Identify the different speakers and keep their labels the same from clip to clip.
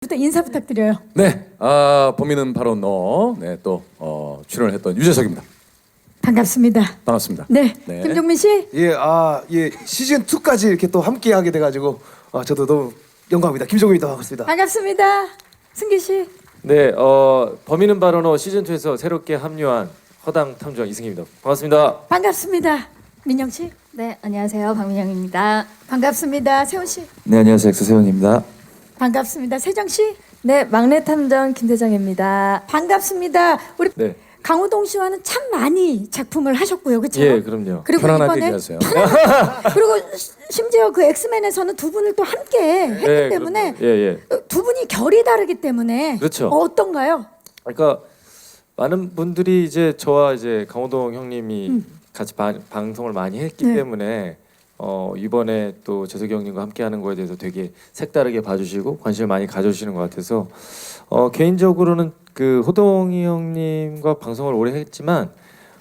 Speaker 1: 기자님부터 인사 부탁드려요.
Speaker 2: 네, 범인은 바로 너. 네, 또 출연을 했던 유재석입니다.
Speaker 1: 반갑습니다.
Speaker 2: 반갑습니다.
Speaker 1: 네,
Speaker 2: 네.
Speaker 1: 김종민 씨.
Speaker 3: 예, 시즌 2까지 이렇게 또 함께 하게 돼가지고 저도 너무 영광입니다. 김종민입니다. 반갑습니다.
Speaker 1: 반갑습니다. 승기 씨.
Speaker 4: 네, 범인은 바로 너 시즌 2에서 새롭게 합류한 허당 탐정 이승기입니다. 반갑습니다.
Speaker 1: 반갑습니다. 민영 씨.
Speaker 5: 네, 안녕하세요. 박민영입니다.
Speaker 1: 반갑습니다. 세훈 씨.
Speaker 6: 네, 안녕하세요. 엑소세훈입니다.
Speaker 1: 반갑습니다. 세정 씨.
Speaker 5: 네, 막내 탐정 김대정입니다.
Speaker 1: 반갑습니다. 우리
Speaker 4: 네.
Speaker 1: 강호동 씨와는 참 많이 작품을 하셨고요, 그렇죠?
Speaker 4: 예, 그럼요.
Speaker 1: 그리고
Speaker 2: 편안하게
Speaker 1: 이번에
Speaker 2: 얘기하세요.
Speaker 1: 그리고 심지어 그 엑스맨에서는 두 분을 또 함께 했기
Speaker 4: 네,
Speaker 1: 때문에
Speaker 4: 그럼요. 예.
Speaker 1: 두 분이 결이 다르기 때문에
Speaker 4: 그렇죠.
Speaker 1: 어떤가요?
Speaker 4: 그러니까 많은 분들이 이제 저와 이제 강호동 형님이 같이 방송을 많이 했기
Speaker 1: 네.
Speaker 4: 때문에 이번에 또 재석이 형님과 함께하는 거에 대해서 되게 색다르게 봐주시고 관심을 많이 가져주시는 것 같아서 개인적으로는 그 호동이 형님과 방송을 오래 했지만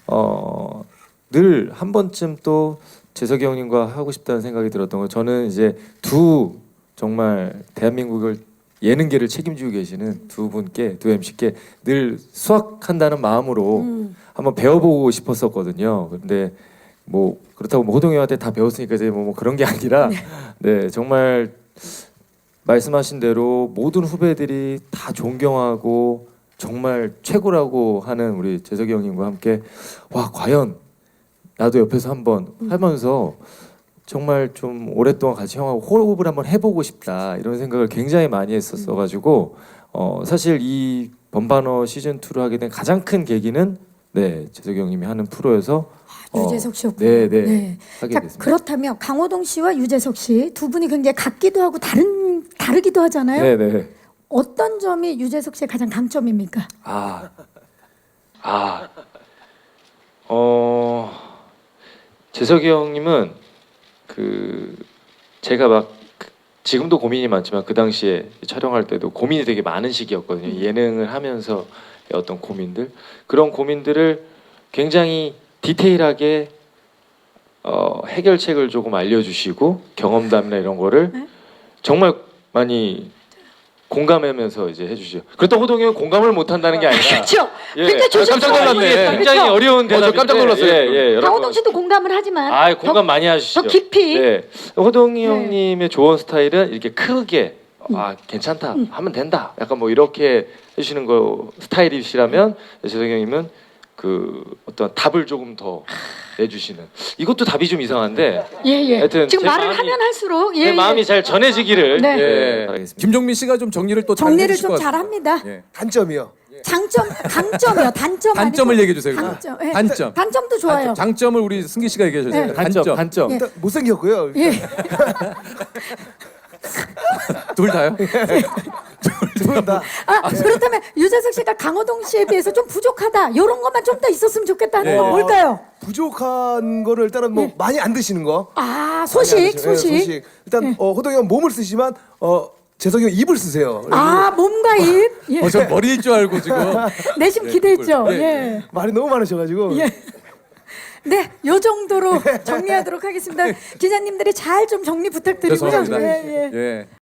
Speaker 4: 늘 한 번쯤 또 재석이 형님과 하고 싶다는 생각이 들었던 거. 저는 이제 두 정말 대한민국을 예능계를 책임지고 계시는 두 분께, 두 MC께 늘 수학한다는 마음으로 한번 배워보고 싶었었거든요. 근데 뭐 그렇다고 뭐 호동이 형한테 다 배웠으니까 이제 뭐 그런 게 아니라 네, 정말 말씀하신 대로 모든 후배들이 다 존경하고 정말 최고라고 하는 우리 재석이 형님과 함께 와 과연 나도 옆에서 한번 하면서 정말 좀 오랫동안 같이 형하고 호흡을 한번 해보고 싶다 이런 생각을 굉장히 많이 했었어가지고 사실 이 범바너 시즌 2를 하게 된 가장 큰 계기는 네 재석이 형님이 하는 프로여서
Speaker 1: 유재석 씨였군요.
Speaker 4: 네. 하게
Speaker 1: 자,
Speaker 4: 됐습니다.
Speaker 1: 그렇다면 강호동 씨와 유재석 씨 두 분이 굉장히 같기도 하고 다르기도 하잖아요.
Speaker 4: 네네.
Speaker 1: 어떤 점이 유재석 씨의 가장 강점입니까?
Speaker 4: 재석이 형님은 제가 막 지금도 고민이 많지만 그 당시에 촬영할 때도 고민이 되게 많은 시기였거든요. 예능을 하면서 어떤 고민들 그런 고민들을 굉장히 디테일하게 해결책을 조금 알려주시고 경험담이나 이런 거를 정말 많이 공감하면서 이제 해주시죠. 그렇다고 호동이 형은 공감을 못한다는 게 아니라
Speaker 1: 그렇죠.
Speaker 4: 예.
Speaker 1: 굉장히 조심스러워.
Speaker 4: 깜짝 놀랐네. 굉장히
Speaker 1: 그렇죠?
Speaker 4: 어려운 대답인데
Speaker 2: 저 깜짝 놀랐어요.
Speaker 4: 예,
Speaker 1: 강호동 씨도 공감을 하지만
Speaker 4: 공감 많이 하시죠.
Speaker 1: 더 깊이.
Speaker 4: 네. 호동이
Speaker 1: 네.
Speaker 4: 형님의 조언 스타일은 이렇게 크게 괜찮다 하면 된다. 약간 뭐 이렇게 해주시는 거 스타일이시라면 재석이 형님은 그 어떤 답을 조금 더 내주시는. 이것도 답이 좀 이상한데.
Speaker 1: 예.
Speaker 4: 하여튼
Speaker 1: 지금
Speaker 4: 제
Speaker 1: 말을
Speaker 4: 마음이-
Speaker 1: 하면 할수록
Speaker 4: 내 마음이 잘 전해지기를
Speaker 1: 네.
Speaker 4: 예, 바라겠습니다.
Speaker 2: 김종민 씨가 좀 정리를 또 잘
Speaker 1: 정리를
Speaker 2: 해주실
Speaker 1: 좀
Speaker 2: 것 같습니다.
Speaker 1: 잘합니다.
Speaker 2: 예.
Speaker 3: 단점이요.
Speaker 1: 강점이요. 단점
Speaker 2: 단점을
Speaker 1: 아니고
Speaker 2: 얘기해 주세요. 그럼.
Speaker 1: 강점. 예.
Speaker 2: 단점.
Speaker 1: 단점도 좋아요.
Speaker 2: 장점을 우리 승기 씨가 얘기해 주세요.
Speaker 1: 네.
Speaker 4: 단점.
Speaker 1: 예.
Speaker 3: 일단 못생겼고요.
Speaker 1: 예.
Speaker 2: 둘 다요?
Speaker 3: 두분 다.
Speaker 1: 그렇다면 유재석 씨가 강호동 씨에 비해서 좀 부족하다. 이런 것만 좀 더 있었으면 좋겠다는
Speaker 2: 네.
Speaker 1: 건 뭘까요?
Speaker 3: 부족한 거를 일단은 뭐 많이 안 드시는 거.
Speaker 1: 소식.
Speaker 3: 많이 안 드시죠. 예, 소식. 일단 호동이 형 몸을 쓰지만 재석이 형 입을 쓰세요.
Speaker 1: 몸과 입. 예.
Speaker 2: 저 머리일 줄 알고 지금.
Speaker 1: 내심 기대했죠.
Speaker 2: 예,
Speaker 1: 예.
Speaker 3: 말이 너무 많으셔가지고.
Speaker 1: 예. 네, 요 정도로 정리하도록 하겠습니다. 기자님들이 잘 좀 정리 부탁드리고요.
Speaker 2: 죄송합니다.
Speaker 1: 예.
Speaker 2: 예.